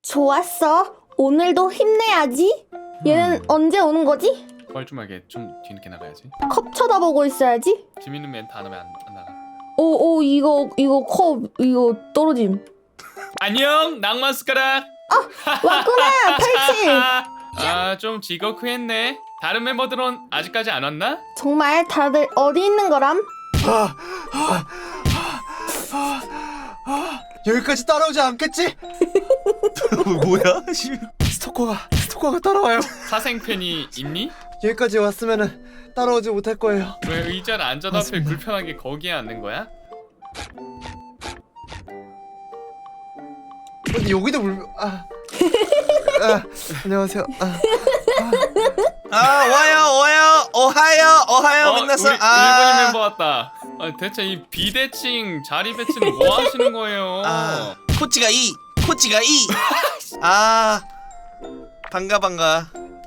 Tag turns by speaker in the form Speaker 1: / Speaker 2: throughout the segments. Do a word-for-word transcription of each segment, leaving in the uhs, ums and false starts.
Speaker 1: 좋았어. 오늘도 힘내야지. 얘는
Speaker 2: 음.
Speaker 1: 언제 오는 거지?
Speaker 2: 뻘쭘하게 좀 뒤늦게 나가야지.
Speaker 1: 컵 쳐다보고 있어야지.
Speaker 2: 재밌는 멘트 안 하면 안, 안 나가.
Speaker 1: 오, 오, 이거, 이거 컵, 이거 떨어짐.
Speaker 2: 안녕 낭만 숟가락.
Speaker 1: 왔구나, 팔찌.
Speaker 2: 아 좀 지거크했네. 다른 멤버들은 아직까지 안 왔나?
Speaker 1: 정말 다들 어디 있는 거람?
Speaker 3: 아, 아, 아, 아, 여기까지 따라오지 않겠지? 뭐야? 씨, 스토커가 스토커가 따라와요.
Speaker 2: 사생팬이 있니?
Speaker 3: 여기까지 왔으면은 따라오지 못할 거예요.
Speaker 2: 왜 의자를 앉아도 앞에
Speaker 3: 맞습니다.
Speaker 2: 불편하게 거기에 앉는 거야?
Speaker 3: 근데 여기도 물. 아, 아 안녕하세요. 아, 아. 아 와요 와요 오하요 오하요
Speaker 2: 어,
Speaker 3: 만났어.
Speaker 2: 우리 일본인 멤버 왔다. 아, 대체 이 비대칭 자리 배치는 뭐 하시는 거예요?
Speaker 3: 아 코치가 이 코치가 이. 아 반가 반가.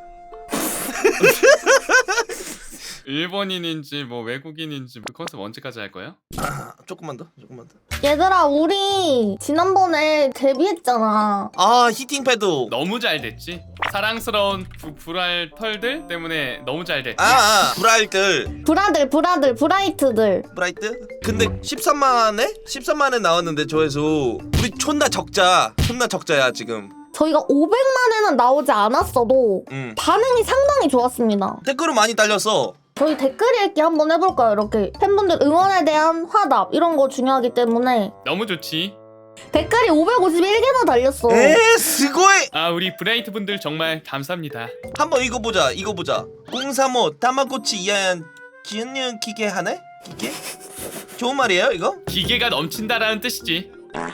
Speaker 2: 일본인인지 뭐 외국인인지 그 컨셉 언제까지 할 거예요?
Speaker 3: 아, 조금만 더 조금만 더.
Speaker 1: 얘들아, 우리 지난번에 데뷔했잖아.
Speaker 3: 아 히팅 패드.
Speaker 2: 너무 잘 됐지. 사랑스러운 부, 불알 털들 때문에 너무 잘 됐지.
Speaker 3: 아, 아 브라이트
Speaker 1: 브라들, 브라들, 브라이트들.
Speaker 3: 브라이트. 근데 십삼만에 십삼만에 나왔는데 조회수 우리 존나 적자 존나 적자야 지금.
Speaker 1: 저희가 오백만에는 나오지 않았어도
Speaker 3: 음
Speaker 1: 반응이 상당히 좋았습니다.
Speaker 3: 댓글은 많이 달렸어.
Speaker 1: 저희 댓글 읽기 한번 해볼까요? 이렇게 팬분들 응원에 대한 화답 이런 거 중요하기 때문에
Speaker 2: 너무 좋지.
Speaker 1: 댓글이 오백오십일 개나 달렸어.
Speaker 3: 에 스고이.
Speaker 2: 아 우리 브라이트 분들 정말 감사합니다.
Speaker 3: 한번 이거 보자 이거 보자. 공삼오 다마고치 이하얀 기은는 기계 하네? 기계? 좋은 말이에요 이거?
Speaker 2: 기계가 넘친다라는 뜻이지.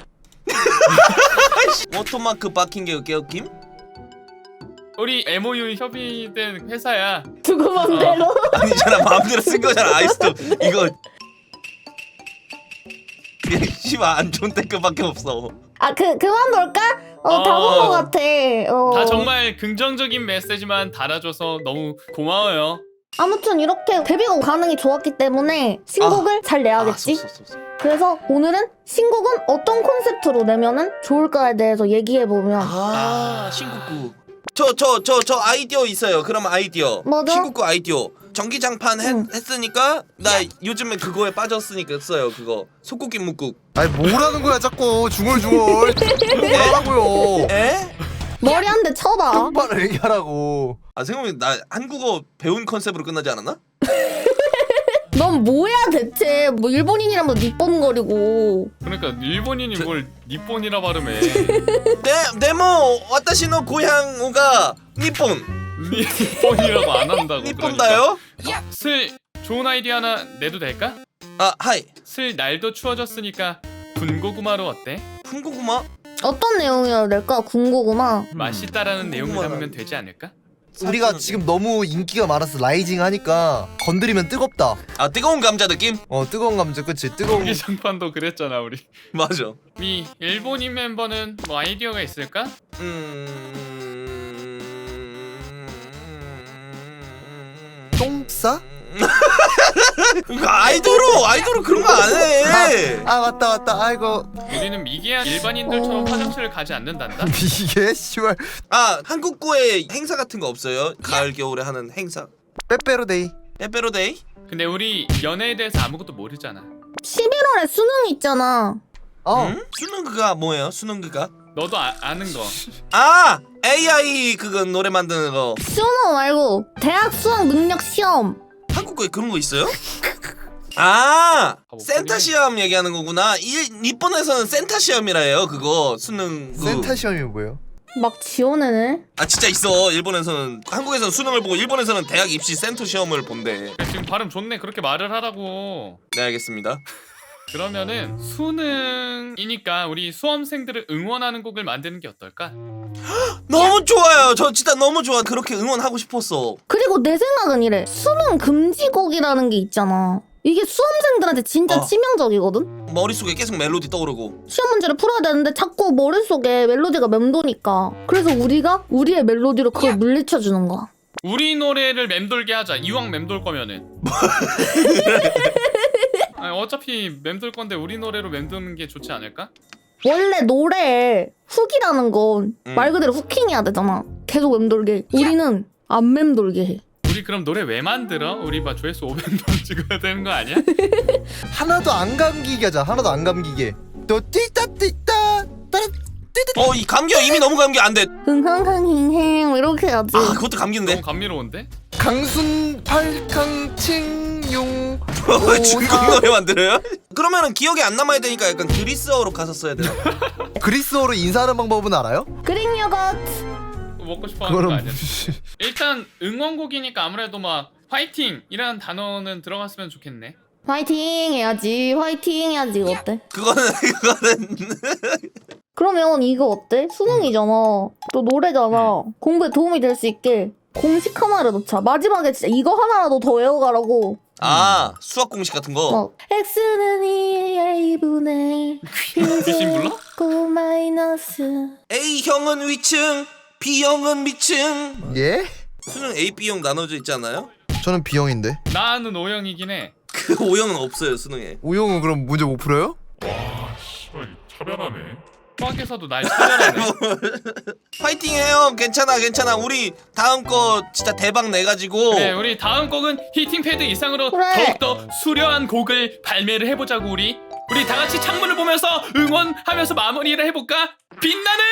Speaker 3: 워터마크 박힌 게 개웃김?
Speaker 2: 우리 엠오유 협의된 회사야.
Speaker 1: 두고 맘대로.
Speaker 3: 아니잖아 마음대로 쓴 거잖아 아이스도 이거. 씨발 안 좋은 댓글밖에 없어.
Speaker 1: 아, 그 그만 볼까? 어, 다 본
Speaker 2: 어.
Speaker 1: 것 같아. 어.
Speaker 2: 다 정말 긍정적인 메시지만 달아줘서 너무 고마워요.
Speaker 1: 아무튼 이렇게 데뷔곡 반응이 좋았기 때문에 신곡을 잘 내야겠지.
Speaker 3: 아, 쏘, 쏘, 쏘, 쏘.
Speaker 1: 그래서 오늘은 신곡은 어떤 콘셉트로 내면은 좋을까에 대해서 얘기해 보면.
Speaker 3: 아 신국구. 저 저 저 저 아이디어 있어요. 그럼 아이디어.
Speaker 1: 뭐죠?
Speaker 3: 신국구 아이디어. 전기장판 했,
Speaker 1: 응.
Speaker 3: 했으니까 나 요즘에 그거에 빠졌으니까 써요 그거. 속국기 묵국.
Speaker 4: 아니 뭐라는 거야 자꾸 중얼중얼 뭐라고요?
Speaker 3: 에?
Speaker 1: 머리 한 대 쳐봐.
Speaker 4: 똑바로 얘기하라고.
Speaker 3: 아 생각해보면 나 한국어 배운 컨셉으로 끝나지 않았나?
Speaker 1: 넌 뭐야 대체? 뭐 일본인이라면 니뻔거리고.
Speaker 2: 그러니까 일본인이
Speaker 3: 저-
Speaker 2: 뭘 니폰이라 발음해.
Speaker 3: 네, 네모 와타시노 고향가 니폰.
Speaker 2: 니폰이라고 안 한다고.
Speaker 3: 니폰다요?
Speaker 2: 그러니까. 슬 좋은 아이디어 하나 내도 될까?
Speaker 3: 아 하이.
Speaker 2: 슬 날도 추워졌으니까 군고구마로 어때?
Speaker 3: 군고구마?
Speaker 1: 어떤 내용이어야 될까? 군고구마.
Speaker 2: 맛있다라는 내용을
Speaker 3: 궁금하다.
Speaker 2: 담으면 되지 않을까?
Speaker 4: 우리가 지금 너무 인기가 많아서 라이징 하니까 건드리면 뜨겁다.
Speaker 3: 아 뜨거운 감자 느낌?
Speaker 4: 어 뜨거운 감자 그치 뜨거운.
Speaker 2: 전기장판도 그랬잖아 우리.
Speaker 3: 맞아.
Speaker 2: 이 일본인 멤버는 뭐 아이디어가 있을까?
Speaker 3: 음.
Speaker 4: 똥싸?
Speaker 3: 그러니까 아이돌로 아이돌로 그런 거 안 해.
Speaker 4: 아 맞다 맞다 아이고
Speaker 2: 우리는 미개한 일반인들처럼
Speaker 1: 어.
Speaker 2: 화장실을 가지 않는단다.
Speaker 4: 이게 씨발
Speaker 3: 아 한국구에 행사 같은 거 없어요? 가을 겨울에 하는 행사.
Speaker 4: 빼빼로데이.
Speaker 3: 빼빼로데이?
Speaker 2: 근데 우리 연애에 대해서 아무것도 모르잖아.
Speaker 1: 십일월에 수능 있잖아.
Speaker 4: 어
Speaker 3: 응? 수능 그가 뭐예요? 수능 그가?
Speaker 2: 너도 아, 아는 거.
Speaker 3: 아 에이아이 그거 노래 만드는 거.
Speaker 1: 수능 말고 대학 수학 능력 시험.
Speaker 3: 한국구에 그런 거 있어요? 아
Speaker 2: 뭐
Speaker 3: 센터
Speaker 2: 뿌리네.
Speaker 3: 시험 얘기하는 거구나. 이 일본에서는 센터 시험이라 해요. 그거 수능. 그.
Speaker 4: 센터 시험이 뭐예요?
Speaker 1: 막 지원해네.
Speaker 3: 아 진짜 있어. 일본에서는 한국에서는 수능을 보고 일본에서는 대학 입시 센터 시험을 본대.
Speaker 2: 지금 발음 좋네. 그렇게 말을 하라고.
Speaker 3: 네 알겠습니다.
Speaker 2: 그러면은 수능이니까 우리 수험생들을 응원하는 곡을 만드는 게 어떨까?
Speaker 3: 너무 좋아요. 저 진짜 너무 좋아. 그렇게 응원하고 싶었어.
Speaker 1: 그리고 내 생각은 이래. 수능 금지곡이라는 게 있잖아. 이게 수험생들한테 진짜
Speaker 3: 어.
Speaker 1: 치명적이거든?
Speaker 3: 머릿속에 계속 멜로디 떠오르고.
Speaker 1: 시험 문제를 풀어야 되는데 자꾸 머릿속에 멜로디가 맴도니까. 그래서 우리가 우리의 멜로디로 그걸 물리쳐주는 거야.
Speaker 2: 우리 노래를 맴돌게 하자. 이왕 맴돌 거면은. 아니, 어차피 맴돌 건데 우리 노래로 맴도는 게 좋지 않을까?
Speaker 1: 원래 노래에 훅이라는 건 말
Speaker 3: 음.
Speaker 1: 그대로 후킹해야 되잖아. 계속 맴돌게. 우리는 안 맴돌게 해.
Speaker 2: 우리 그럼 노래 왜 만들어? 우리 봐 조회수 오백 번 찍어야 되는 거 아니야?
Speaker 4: 하나도 안 감기게 하자. 하나도 안 감기게. 또 띠따 띠따 따라 띠띠.
Speaker 3: 어 이 감기야 이미 너무 감기 안돼.
Speaker 1: 흥흥흥흥 이렇게 해야지.
Speaker 3: 아 그것도 감기인데.
Speaker 2: 너무 감미로운데?
Speaker 4: 강순 팔강칭용.
Speaker 3: 중국 노래 만들어요? 그러면은 기억이 안 남아야 되니까 약간 그리스어로 가서 써야 되나?
Speaker 4: 그리스어로 인사하는 방법은 알아요?
Speaker 1: 그릭 요거트.
Speaker 2: 먹고 싶어 하는 거
Speaker 4: 그거는
Speaker 2: 아니야? 일단 응원곡이니까 아무래도 막 화이팅! 이라는 단어는 들어갔으면 좋겠네.
Speaker 1: 화이팅 해야지. 화이팅 해야지. 이거 어때?
Speaker 3: 그거는 그거는
Speaker 1: 그러면 이거 어때? 수능이잖아. 또 노래잖아. 공부에 도움이 될 수 있게 공식 하나를 넣자. 마지막에 진짜 이거 하나라도 더 외워가라고.
Speaker 3: 아 수학 공식 같은 거.
Speaker 1: 막 X는 이의 이분의
Speaker 2: 귀신 불러?
Speaker 1: 고 마이너스.
Speaker 3: A형은 위층, B형은 미층.
Speaker 4: 예?
Speaker 3: 수능 A, B형 나눠져 있지 않나요?
Speaker 4: 저는 B형인데.
Speaker 2: 나는 오형이긴 해.
Speaker 3: 그 O형은 없어요 수능에.
Speaker 4: 우영은 그럼 문제 못 풀어요?
Speaker 2: 차별하네. 수학에서도 날 차별하네.
Speaker 3: 파이팅해요. 괜찮아 괜찮아. 우리 다음 거 진짜 대박 내가지고.
Speaker 2: 그래, 우리 다음 곡은 히팅 패드 이상으로
Speaker 1: 그래.
Speaker 2: 더욱더 수려한 곡을 발매를 해보자고 우리. 우리 다 같이 창문을 보면서 응원하면서 마무리를 해볼까? 빛나는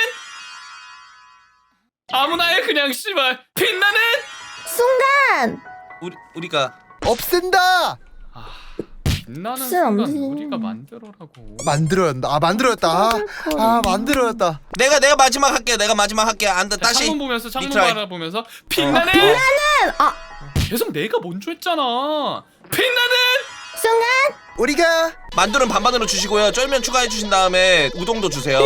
Speaker 2: 아무나의 그냥 씨발 빛나는
Speaker 1: 순간!
Speaker 3: 우리 우리가
Speaker 4: 없앤다.
Speaker 2: 빛나는
Speaker 1: 글쎄, 안
Speaker 2: 순간
Speaker 1: 돼.
Speaker 2: 우리가 만들어라고.
Speaker 4: 만들어야 한다. 아 만들어였다. 아, 아 만들어였다.
Speaker 3: 내가 내가 마지막 할게. 내가 마지막 할게. 안다
Speaker 2: 자,
Speaker 3: 다시.
Speaker 2: 창문 보면서 창문
Speaker 3: 리트라이.
Speaker 2: 바라보면서 빛나는
Speaker 1: 아!
Speaker 2: 계속 내가 먼저 했잖아. 빛나는
Speaker 1: 순간!
Speaker 4: 우리가
Speaker 3: 만두는 반반으로 주시고요. 쫄면 추가해 주신 다음에 우동도 주세요.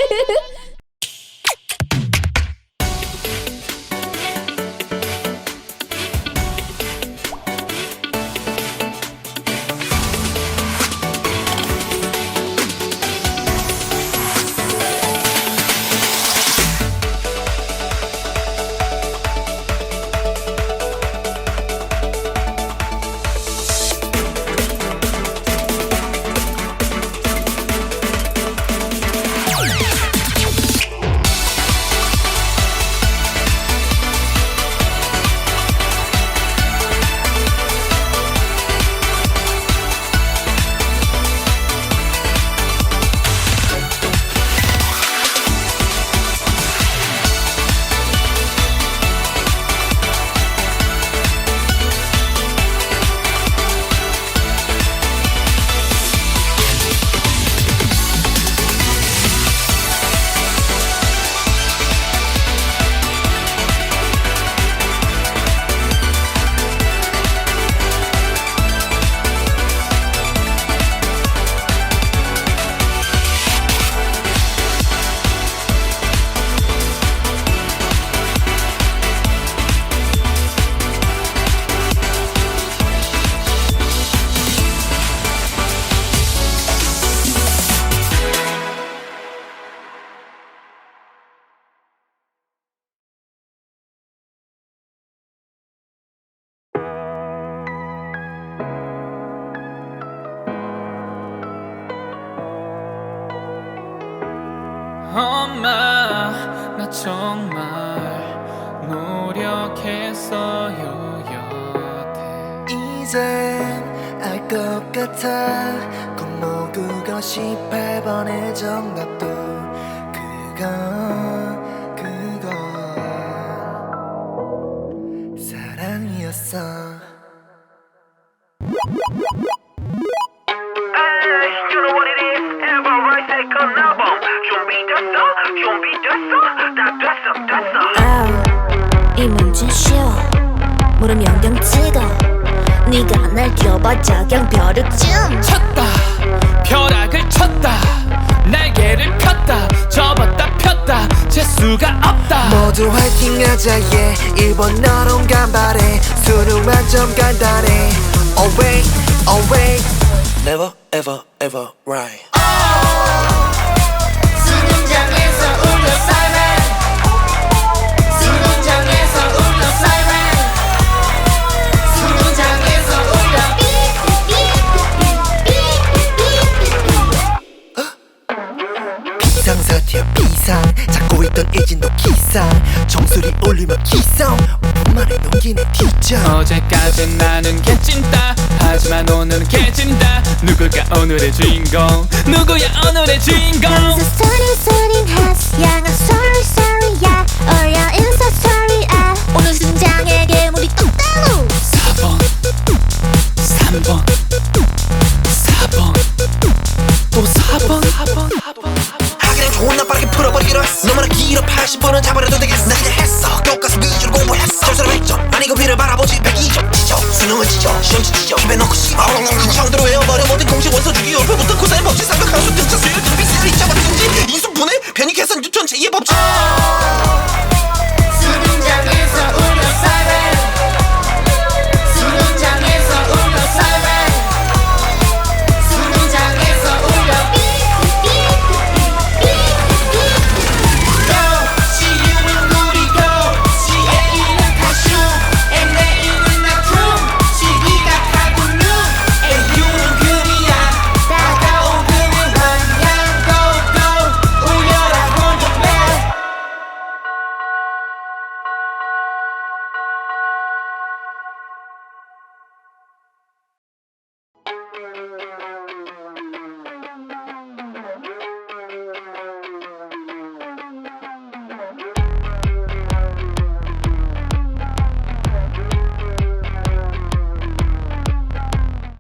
Speaker 2: 엄마 나 정말 노력했어요 여태.
Speaker 5: 이젠 알 것 같아 공모 구십팔 번의 정답도 그건 그건 사랑이었어.
Speaker 6: 이 문제 쉬워 물음 영영 찍어 네가 날 뛰어봤자 그냥 벼룩쯤
Speaker 2: 쳤다 벼락을 쳤다 날개를 폈다 접었다 폈다 재수가 없다.
Speaker 5: 모두 화이팅하자 yeah 일 번 너론 간발해 수능 만점 간단해 Always always Never ever ever right.
Speaker 6: 수능장에서 울려 사이렌 수능장에서 울려 사이렌 수능장에서 울려 삐삐삐삐삐삐삐삐
Speaker 5: 이진도 기상 정수리 올리면 기성 오분만에 넘기는 티저
Speaker 2: 어제까진 나는 개찐다 하지만 오늘은 개찐다 누굴까 오늘의 주인공 누구야 오늘의 주인공
Speaker 6: I'm so sorry sorry has yeah I'm sorry sorry yeah oh yeah I'm so sorry ah 오늘 심장에 괴물이 똑따로
Speaker 2: 사 번 삼 번 사 번 또 사 번
Speaker 5: 하기는 좋은 날 빠르게 풀어버리기로 했어 너무나 길어 팔십 번은 잡아려도 되겠어 나 그냥 했어 교과서 위주로 공부했어 절수로 백 점 아니 그 비를 바라보지 백이 점 지져 수능은 지져 시험 지져 입에 넣고 씹어 형대로 외워버려 모든 공식 원소 주기 열표부터 코사인 법칙 삼각 함수 등차 수열 등비 세리 짜버리 등지 인수분해 변이 계산 유천 제이의 법칙